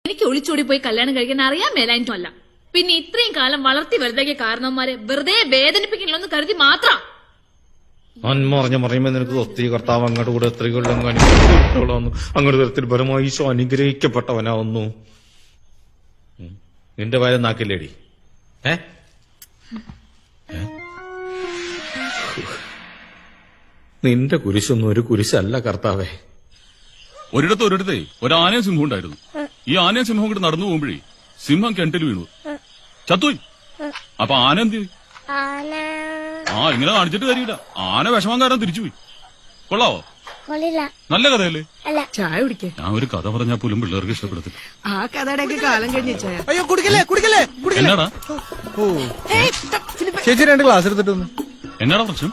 എനിക്ക് ഒളിച്ചോടി പോയി കല്യാണം കഴിക്കാൻ അറിയാൻ മേലായിട്ടല്ല. പിന്നെ ഇത്രയും കാലം വളർത്തി വലുതാക്കിയ കാരണവന്മാരെ വെറുതെ വേദനിപ്പിക്കണമെന്ന് കരുതി മാത്രം. അന്മറിഞ്ഞ പറയുമ്പോ നിനക്ക് ഒത്തിരി കർത്താവ് അങ്ങോട്ട് കൂടെ എത്ര കൊല്ലം കാണിക്കുന്നു. അങ്ങോട്ട് തരത്തിൽ പരമായി ഈശോ അനുഗ്രഹിക്കപ്പെട്ടവനാവുന്നു. നിന്റെ വയലും നാക്കില്ലേടി? നിന്റെ കുരിശൊന്നും ഒരു കുരിശല്ല കർത്താവേ. ഒരിടത്തെ ഒരാനയും സിംഹം ഉണ്ടായിരുന്നു. ഈ ആനയും സിംഹം കൂടി നടന്നു പോകുമ്പോഴേ സിംഹം കിണറ്റിൽ വീണു ചത്തുപോയി. അപ്പൊ ആന എന്ത് ചെയ്തു? ഇങ്ങനെ കാണിച്ചിട്ട് കാര്യമില്ല. ആന വിഷമം കാരണം തിരിച്ചുപോയി. കൊള്ളാവോ? നല്ല കഥയല്ലേ? ചായ കുടിക്കേ. ഞാൻ ഒരു കഥ പറഞ്ഞാൽ പോലും പിള്ളേർക്ക് ഇഷ്ടപ്പെടത്തില്ല. ആ കഥയുടെ കാലം കഴിഞ്ഞ ചായ. അയ്യോ കുടിക്കല്ലേ. എന്നാടാ ചേച്ചി 2 ഗ്ലാസ് എടുത്തിട്ട് എന്നാടാ പ്രശ്നം?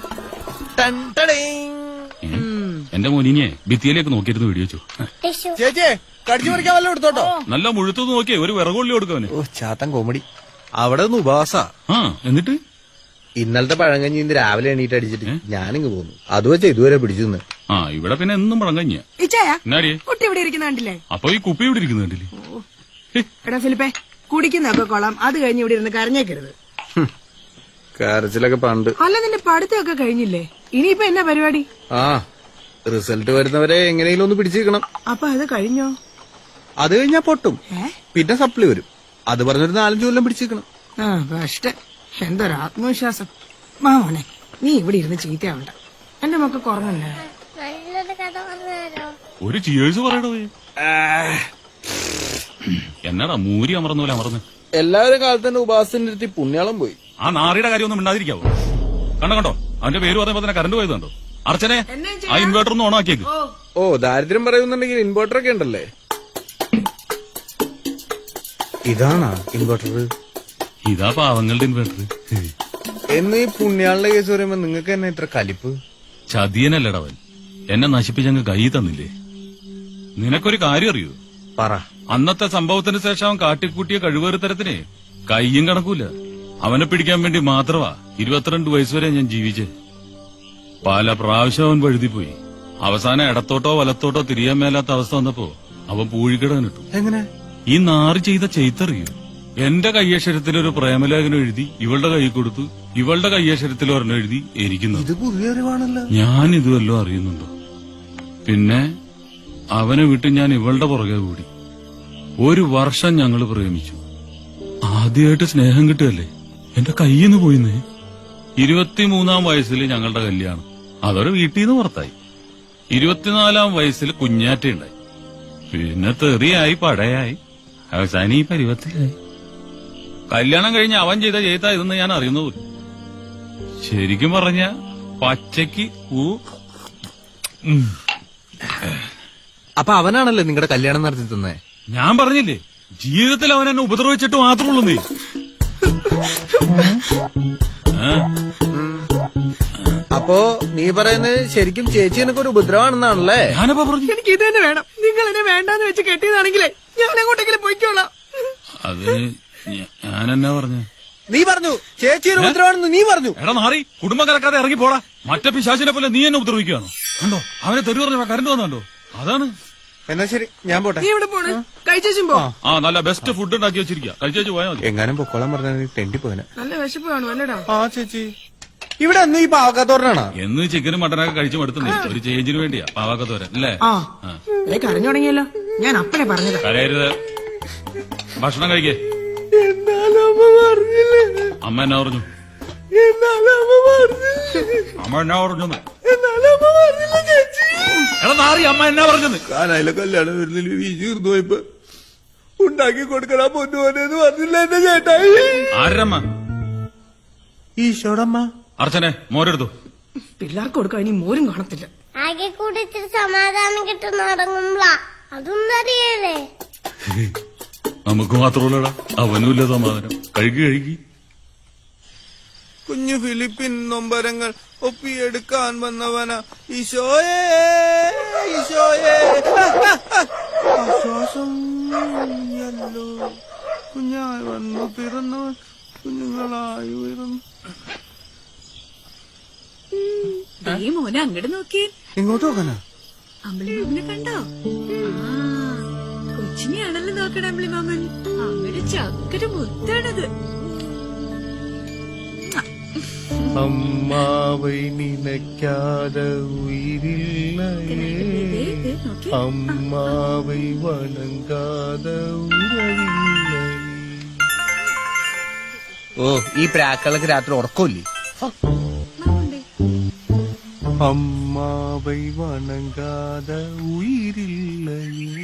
എന്റെ മോനിനെ ഭിത്തിയിലേക്ക് നോക്കിയിരുന്നു വീഡിയോ വെച്ചു. ചേച്ചിയെ കടിച്ചു പറിക്കാൻ വല്ലതും എടുത്തോട്ടോ. നല്ല മുഴുത്തത് നോക്കിയേ ഒരു വിറകൊള്ളി കൊടുക്കവന്. ചാത്തൻ കോമഡി. അവിടെ ഒന്ന് ഉപവാസ. എന്നിട്ട് ഇന്നലത്തെ പഴങ്കഞ്ഞി ഇന്ന് രാവിലെ എണീറ്റ് അടിച്ചിട്ട് ഞാനിങ്ങ് പോന്നു. അത് വെച്ച ഇതുവരെ പിടിച്ചു നിന്ന്. ഇവിടെ പിന്നെ എന്നും പഴങ്കഞ്ഞിയാ. കുട്ടി ഇവിടെ ഇരിക്കുന്ന കണ്ടില്ലേ? അപ്പൊ ഈ കുപ്പി ഇവിടെ ഇരിക്കുന്ന കണ്ടില്ലേ? എടാ ഫിലിപ്പേ, കുടിക്കുന്നൊക്കെ കൊള്ളാം. അത് കഴിഞ്ഞ് ഇവിടെ ഇരുന്ന് കരഞ്ഞേക്കരുത്. കരച്ചിലൊക്കെ പണ്ട്. അല്ല, നിന്റെ പഠിത്തമൊക്കെ കഴിഞ്ഞില്ലേ? ഇനിയിപ്പോ എന്നാ പരിപാടി? റിസൾട്ട് വരുന്നവരെ എങ്ങനെയെങ്കിലും ഒന്ന് പിടിച്ചിരിക്കണം. അപ്പൊ അത് കഴിഞ്ഞോ? അത് കഴിഞ്ഞാ പൊട്ടും. പിന്നെ സപ്ലി വരും. അത് പറഞ്ഞൊരു 4-5 കൊല്ലം പിടിച്ചിരിക്കണം. കഷ്ടം. എന്തൊരു ആത്മവിശ്വാസം. മാമോനെ, നീ ഇവിടെ ഇരുന്ന് ചീത്തയാവണ്ട. എന്റെ മക്കൾ കുറഞ്ഞല്ലേ? ഒരു ചിയേഴ്സ് പറയണോ? എന്നാടാ മൂരി അമർന്നൂല അമർന്ന്. എല്ലാവരും കാലത്തിന്റെ ഉപാസത്തിന്റെ അടുത്ത് പുണ്യാളം പോയി. ആ നാറിയുടെ കാര്യം ഒന്നും മിണ്ടാതിരിക്കാവോ? കണ്ടോ അവന്റെ പേര് പറയുമ്പോ തന്നെ കറണ്ട് പോയത് കണ്ടോ? അർച്ചനെ, ആ ഇൻവേർട്ടർ ഒന്ന് ഓണാക്കിയേക്ക്. ദാരിദ്ര്യം പറയുന്നുണ്ടെങ്കിൽ ഇൻവേർട്ടർ ഒക്കെ ഉണ്ടല്ലേ. ഇതാണോ ഇൻവേർട്ടർ? ഇതാ പാവങ്ങളുടെ ഇൻവേർട്ടർ. എന്ന് ഈ പുണ്യാളുടെ കേസ് പറയുമ്പോ നിങ്ങൾക്ക് തന്നെ ഇത്ര കലിപ്പ്? ചതിയനല്ലടവൻ. എന്നെ നശിപ്പിച്ചങ്ങ് കൈ തന്നില്ലേ. നിനക്കൊരു കാര്യം അറിയൂ? പറ. അന്നത്തെ സംഭവത്തിന് ശേഷം അവൻ കാട്ടിക്കൂട്ടിയ കഴിവേറുതരത്തിന് കയ്യും കണക്കൂല. അവനെ പിടിക്കാൻ വേണ്ടി മാത്രമാ 22 വയസ്സുവരെ ഞാൻ ജീവിച്ചേ. പല പ്രാവശ്യം അവൻ വഴുതിപ്പോയി. അവസാനം ഇടത്തോട്ടോ വലത്തോട്ടോ തിരിയാൻ മേലാത്ത അവസ്ഥ വന്നപ്പോ അവൻ പൂഴിക്കിടാൻ ഇട്ടു. എങ്ങനെ? ഈ നാറി ചെയ്ത ചെയ്തറിയൂ. എന്റെ കയ്യക്ഷരത്തിൽ ഒരു പ്രേമലേഖനം എഴുതി ഇവളുടെ കൈ കൊടുത്തു. ഇവളുടെ കയ്യക്ഷരത്തിൽ ഒരെണ്ണം എഴുതി എനിക്കുന്നു. ഞാൻ ഇതുവല്ലോ അറിയുന്നുണ്ടോ? പിന്നെ അവനെ വിട്ട് ഞാൻ ഇവളുടെ പുറകെ കൂടി. 1 വർഷം ഞങ്ങൾ പ്രേമിച്ചു. ആദ്യമായിട്ട് സ്നേഹം കിട്ടുകയല്ലേ. എന്റെ കയ്യിന്ന് പോയിന്നേ. 23-ാം വയസ്സിൽ ഞങ്ങളുടെ കല്യാണം. അതോടെ വീട്ടിൽ നിന്ന് പുറത്തായി. 24-ാം വയസ്സിൽ കുഞ്ഞാറ്റുണ്ടായി. പിന്നെ തെറിയായി പടയായി അവസാനം ഈ പരുവത്തിലായി. കല്യാണം കഴിഞ്ഞ് അവൻ ചെയ്ത ഇതെന്ന് ഞാൻ അറിയുന്നത്. ശരിക്കും പറഞ്ഞ പച്ചയ്ക്ക് അപ്പൊ അവനാണല്ലേ നിങ്ങളുടെ കല്യാണം നടത്തി തന്നെ? ഞാൻ പറഞ്ഞില്ലേ, ജീവിതത്തിൽ അവൻ എന്നെ ഉപദ്രവിച്ചിട്ട് മാത്രമുള്ളൂ. നീ അപ്പോ നീ പറയുന്നത് ശരിക്കും ചേച്ചി എനക്ക് ഒരു ഉപദ്രവമാണെന്നാണല്ലേ? ഞാനപ്പോ പറഞ്ഞു എനിക്ക് ഇത് തന്നെ വേണം. നിങ്ങൾ എന്നെ വേണ്ടാന്ന് വെച്ച് കെട്ടിയതാണെങ്കിലേ ഞാൻ അങ്ങോട്ടെങ്കിലും പോയിക്കോളാം. അത് ഞാനെന്നാ പറഞ്ഞു? നീ പറഞ്ഞു ചേച്ചി ഒരു ഉപദ്രവമാണെന്ന് നീ പറഞ്ഞു. എടാ നാറി, കുടുംബം കലക്കാതെ ഇറങ്ങി പോടാ. മറ്റേ പിശാചിനെ പോലെ നീ എന്നെ ഉപദ്രവിക്കുകയാണോ? കണ്ടോ അവനെ തെറി പറഞ്ഞ കരണ്ട് വന്നോ? അതാണ്. എന്നാ ശരി, ഞാൻ പോട്ടെ. നീ ഇവിടെ പോണേ? കഴിച്ചേച്ചും പോ. നല്ല ബെസ്റ്റ് ഫുഡ് ഉണ്ടാക്കി വെച്ചിരിക്കുക. കഴിച്ചു പോയാൽ മതി. എങ്ങാനും പൊക്കോളാൻ പറഞ്ഞാൽ തെണ്ടി പോയനെ. നല്ല വിശപ്പ് കാണും അല്ലടാ? ചേച്ചി ഇവിടെ അന്ന് ഈ പാവക്കാത്തോരനാണ്. എന്ന് ചിക്കനും മട്ടനൊക്കെ കഴിച്ചു മടുത്തുന്നേ. ഒരു ചേഞ്ചിന് വേണ്ടിയാ പാവക്കത്തോരൻ അല്ലേ? കരഞ്ഞു തുടങ്ങിയല്ലോ. ഞാൻ അപ്പഴേ പറഞ്ഞത്. കരയരുത്, ഭക്ഷണം കഴിക്കേ. അമ്മ എന്നാ പറഞ്ഞു? അമ്മ എന്നാ പറഞ്ഞു? എടാ നാറി, അമ്മ എന്നാ പറഞ്ഞത്? കാനായിലെ കല്യാണം വരുന്നില്ല വീശിർന്നു പോയപ്പോ ഉണ്ടാക്കി കൊടുക്കണ പൊന്നുപോനെന്ന് പറഞ്ഞില്ല എന്റെ ചേട്ടായി. ആരമ്മ? ഈശോടമ്മ. അർച്ചനെ, മോരെടുത്തു. പിള്ളേർക്ക് കൊടുക്കാൻ ഇനി മോരും കാണത്തില്ല. ആകെ കൂടി ഇത്തിരി സമാധാനം കിട്ടുന്ന അടങ്ങുമ്പളാ. അതൊന്നും അറിയല്ലേ? നമുക്ക് മാത്രമല്ലടാ, അവനുമില്ല സമാധാനം. കഴുകി കുഞ്ഞു ഫിലിപ്പിൻ നൊമ്പരങ്ങൾ ഒപ്പിയെടുക്കാൻ വന്നവന ഈശോയേ ഈശോയേ. ആശ്വാസം കുഞ്ഞായി വന്നു പിറന്നവൻ കുഞ്ഞുങ്ങളായി ഉയർന്നു. മോനെ അങ്ങോട്ട് നോക്കി. ഇങ്ങോട്ട് നോക്കാനാ? അമ്പളിമാമനെ കണ്ടോ? കൊച്ചിനെയാണല്ലോ നോക്കണേ അമ്പിളിമാമൻ. അങ്ങനെ ചക്കര മുത്താണത്. അമ്മാവൈ നിനക്കാതെ ഉയിരില്ലയേ, അമ്മാവൈ വണങ്കാതെ ഉറവില്ലയേ. ഓ ഈ പ്രാക്കളൊക്കെ രാത്രി ഉറക്കമില്ലേ? അമ്മാവൈ വണങ്കാതെ ഉയിരില്ലയേ.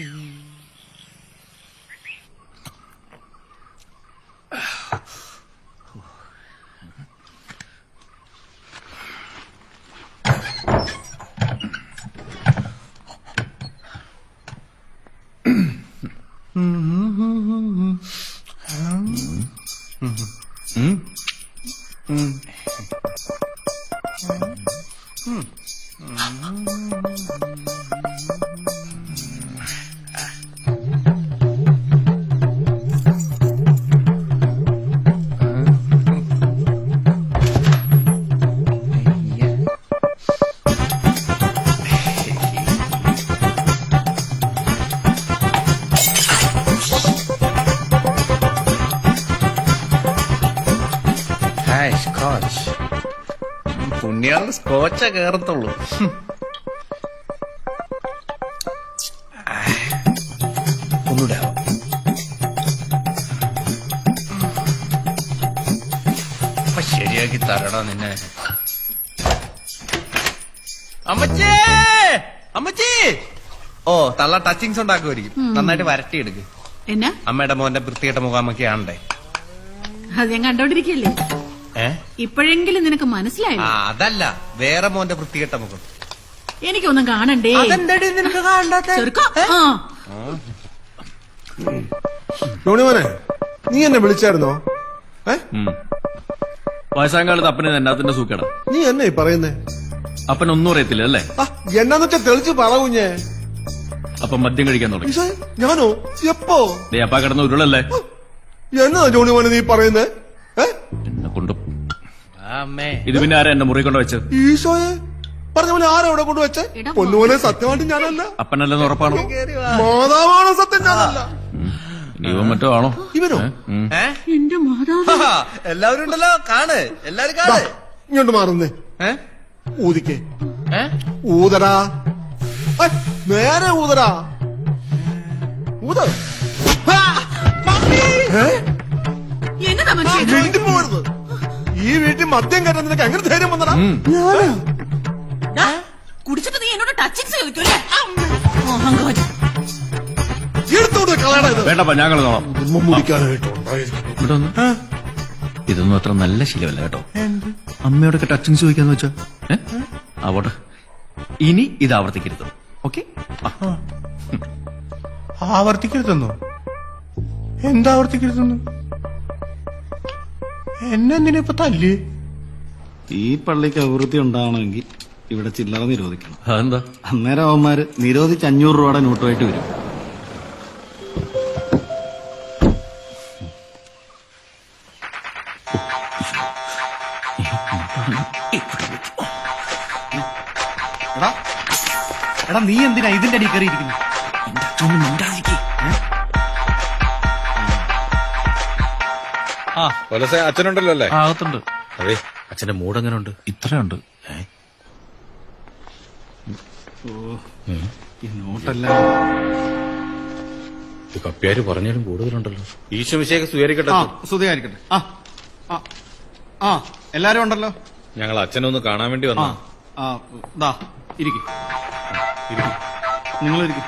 പുണ്യാള് സ്കോച്ച കേറത്തുള്ളൂ. ഒന്നൂടെ അപ്പൊ ശരിയാക്കി തരടാ നിന്നെ. അമ്മച്ചേ അമ്മച്ചേ. ഓ തള്ള ടച്ചിങ്സ് ഉണ്ടാക്കുമായിരിക്കും. നന്നായിട്ട് വരട്ടിയെടുക്ക്. എന്നാ അമ്മയുടെ മോന്റെ വൃത്തികെട്ട മുഖാമൊക്കെ ആണ്ടേ. അത് ഞാൻ കണ്ടോണ്ടിരിക്കല്ലേ. ഇപ്പോഴെങ്കിലും നിനക്ക് മനസ്സിലായി. അതല്ല, വേറെ മോന്റെ വൃത്തികെട്ട മുഖം. എനിക്കൊന്നും കാണണ്ടേ. അതെന്താടി നിനക്ക് കാണാത്ത? യോണിമോനെ, നീ എന്നെ വിളിച്ചായിരുന്നോ? വയസ്സാങ്കാലത്ത് അപ്പന് എന്നാത്തിന്റെ സൂക്കേടാ. നീ എന്നെ പറയുന്നേ? അപ്പനൊന്നും അറിയത്തില്ല അല്ലേ? എന്നാന്ന് വെച്ചാ തെളിച്ച് പറയൂഞ്ഞേ. അപ്പൊ മദ്യം കഴിക്കാൻ തുടങ്ങി. ഞാനോ? എപ്പോ? അപ്പ കിടന്ന ഉരുളല്ലേ. എന്നാ ജോണിമോനെ നീ പറയുന്നേ? എന്നെ കൊണ്ടു ഇത് പിന്നെ ആരാ എന്റെ മുറി കൊണ്ട് വെച്ചത്? ഈശോയെ, പറഞ്ഞ പോലെ ആരാ ഇവിടെ കൊണ്ടുവച്ചേ? പൊന്നുപോലെ സത്യമായിട്ട് ഞാനല്ല. അപ്പനല്ലെന്ന് ഉറപ്പാണോ? മാതാവാണ് സത്യം, ഞാനല്ല. ഇവൻ മറ്റോ ആണോ? ഇവനോ? എന്റെ മാതാവ്. എല്ലാവരും ഉണ്ടല്ലോ, കാണ്. എല്ലാരും കാണ്. ഇങ്ങോട്ട് മാറുന്നേ. ഊതിക്കേ. ഊതടാ, നേരെ ഊതടാ. ഊത. എന്നതാ മനുഷ്യൻ? വീട്ടിൽ പോകരുത്. ഈ വീട്ടിൽ മദ്യം കയറ്റാൻ നിനക്ക് എങ്ങനെ ധൈര്യം വന്നടാ? കുടിച്ചിട്ട് നീ എന്നോട് ടച്ചിങ്സ് ചോദിക്കൂല്ലേ? എടുത്തോണ്ട് കളയടാ ഇത്. വേണ്ടപ്പാ, ഞങ്ങൾ നോളാം. മുടിക്കാനായിട്ട് ഇതൊന്നും അത്ര നല്ല ശീലമല്ല കേട്ടോ. അമ്മയോടൊക്കെ ടച്ചിങ്സ് ചോദിക്കാന്ന് വെച്ചാ ആവട്ടെ. ഇനി ഇത് ആവർത്തിക്കരുത്. ഓക്കെ? ആവർത്തിക്കരുതെന്നോ? എന്താ ആവർത്തിക്കരുതെന്നോ? എന്നെന്തിനാ ഇപ്പൊ തല്ല്? ഈ പള്ളിക്ക് അഭിവൃദ്ധി ഉണ്ടാവണമെങ്കിൽ ഇവിടെ ചില്ലറ നിരോധിക്കണം. അതെന്താ? അന്നേരം അവന്മാര് നിരോധിച്ച് 500 രൂപയുടെ നോട്ടുമായിട്ട് വരും. എടാ നീ എന്തിനാ ഇതിന്റെ അടി കയറിയിരിക്കുന്നു? അച്ഛനുണ്ടല്ലോ അല്ലേ? അകത്തുണ്ട്. അതെ, അച്ഛന്റെ മൂഡ് എങ്ങനെ ഉണ്ട്? ഇത്രയുണ്ട്. ഈ നോട്ടല്ല കപ്പ്യാര് പറഞ്ഞാലും കൂടുതലുണ്ടല്ലോ. ഈശോ മിശിഹായ്ക്ക് സ്വീകരിക്കട്ടെ. സ്തുതിയായിരിക്കട്ടെ. എല്ലാരും ഉണ്ടല്ലോ. ഞങ്ങൾ അച്ഛനെ ഒന്ന് കാണാൻ വേണ്ടി വന്നു. ഇരിക്കും. നിങ്ങളിരിക്കും.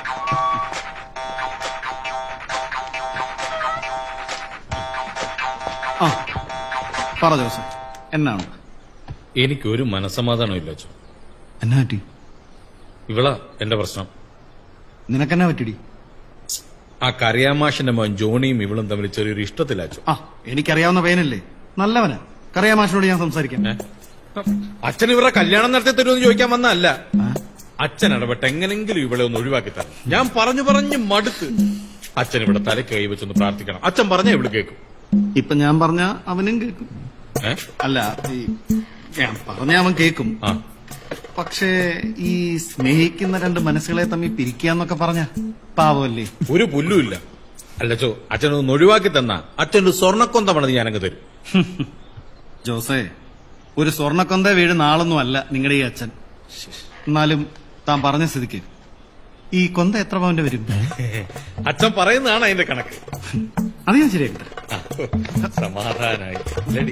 പറ ജോസ്, എന്നാണ്? എനിക്കൊരു മനസ്സമാധാനം ഇല്ല അച്ഛൻ. എന്നാ പറ്റി? ഇവളാ എന്റെ പ്രശ്നം. നിനക്കെന്നാ പറ്റിടി? ആ കറിയാമാഷിന്റെ മോൻ ജോണിയും ഇവളും തമ്മിൽ ചെറിയൊരു ഇഷ്ടത്തില്ല അച്ഛൻ. എനിക്കറിയാവുന്ന പയ്യനല്ലേ, നല്ലവനാ. കറിയാമാഷിനോട് ഞാൻ സംസാരിക്കാം. അച്ഛൻ ഇവരുടെ കല്യാണം നടത്തി തരുമെന്ന് ചോദിക്കാൻ വന്നല്ല. അച്ഛൻ ഇടപെട്ട് എങ്ങനെങ്കിലും ഇവളെ ഒന്ന് ഒഴിവാക്കി തരണം. ഞാൻ പറഞ്ഞു മടുത്ത്. അച്ഛൻ ഇവിടെ തലയ്ക്ക് കൈവച്ചൊന്ന് പ്രാർത്ഥിക്കണം. അച്ഛൻ പറഞ്ഞാ ഇവിടെ കേൾക്കും. ഇപ്പൊ ഞാൻ പറഞ്ഞ അവനും കേൾക്കും. അല്ല, ഞാൻ പറഞ്ഞ അവൻ കേൾക്കും. പക്ഷേ ഈ സ്നേഹിക്കുന്ന രണ്ട് മനസ്സുകളെ തമ്മിൽ പിരിക്കാന്നൊക്കെ പറഞ്ഞ പാവമല്ലേ? ഒരു പുല്ലുമില്ല. അല്ലച്ചോ, അച്ഛനൊന്ന് ഒഴിവാക്കി തന്നാ അച്ഛനൊരു സ്വർണ്ണക്കൊന്ത പണിത് ഞാനങ്ങ് തരും. ജോസേ, ഒരു സ്വർണ്ണക്കൊന്ത വീട് നാളൊന്നും അല്ല നിങ്ങളുടെ ഈ അച്ഛൻ. എന്നാലും താൻ പറഞ്ഞ സ്ഥിതിക്ക് ഈ കൊന്ത എത്ര പവന്റെ വരും? അച്ഛൻ പറയുന്നതാണ് അതിന്റെ കണക്ക്. അത് ഞാൻ ശരിയാക്കി തരാം. സമാധാനായി അല്ലേടി?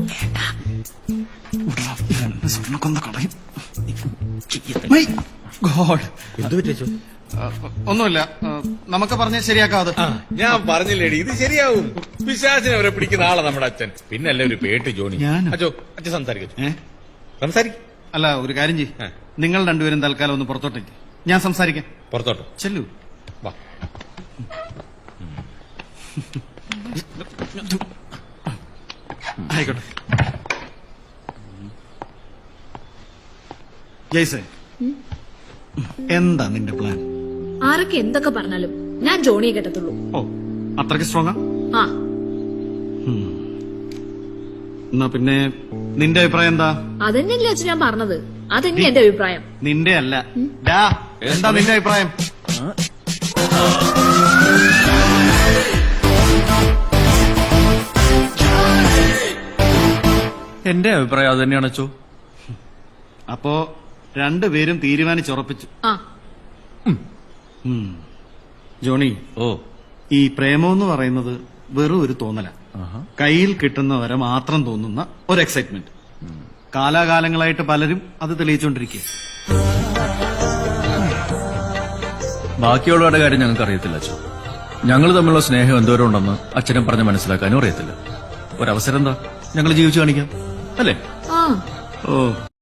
സ്വർണ്ണക്കൊന്ത കളയും. My God. എന്തു പറ്റോ? ഒന്നുമില്ല, നമുക്ക് പറഞ്ഞ ശരിയാക്കാതെ. ഞാൻ പറഞ്ഞില്ലേടി, ഇത് ശരിയാവും. പിശാചിനെ അവരെ പിടിക്കുന്ന ആളാ നമ്മുടെ അച്ഛൻ. പിന്നല്ലേ ഒരു പേട്ട് ജോണി. ഞാനോ? അച്ഛോ, അച്ഛൻ സംസാരിക്കോ? ഏ? സംസാരിക്കും. അല്ല, ഒരു കാര്യം ചെയ്യ്, നിങ്ങൾ രണ്ടുപേരും തൽക്കാലം ഒന്ന് പുറത്തോട്ടേക്ക്, ഞാൻ സംസാരിക്കാം. പുറത്തോട്ടോ? ചെല്ലു. വാ. ആയിക്കോട്ടെ. ജയ്സേ, എന്താ നിന്റെ പ്ലാൻ? ആരൊക്കെ എന്തൊക്കെ പറഞ്ഞാലും ഞാൻ ജോണിയെ കെട്ടത്തുള്ളൂ. ഓ, അത്രയ്ക്ക് സ്ട്രോങ്ങാ? ആ, എന്നാ പിന്നെ നിന്റെ അഭിപ്രായം എന്താ? അതന്നെയല്ലേ അച്ഛൻ ഞാൻ പറഞ്ഞത്. അതന്നെ എന്റെ അഭിപ്രായം. നിന്റെ അല്ല. ഡാ, എന്താ നിന്റെ അഭിപ്രായം? എന്റെ അഭിപ്രായം അത് തന്നെയാണ് അച്ചോ. അപ്പോ രണ്ടുപേരും തീരുമാനിച്ചുറപ്പിച്ചു. ആ, ജോണി, ഓ, ഈ പ്രേമം പറയുന്നത് വെറും ഒരു തോന്നല. കയ്യിൽ കിട്ടുന്നവരെ മാത്രം തോന്നുന്ന ഒരു എക്സൈറ്റ്മെന്റ്. കാലാകാലങ്ങളായിട്ട് പലരും അത് തെളിയിച്ചുകൊണ്ടിരിക്കുക. ബാക്കിയുള്ളവരുടെ കാര്യം ഞങ്ങൾക്ക് അറിയത്തില്ല അച്ഛൻ. ഞങ്ങൾ തമ്മിലുള്ള സ്നേഹം എന്തോരം ഉണ്ടെന്ന് അച്ഛനെ പറഞ്ഞ് മനസ്സിലാക്കാനും അറിയത്തില്ല. ഒരവസരം എന്താ, ഞങ്ങൾ ജീവിച്ചു കാണിക്കാം അല്ലേ? ആ. ഓ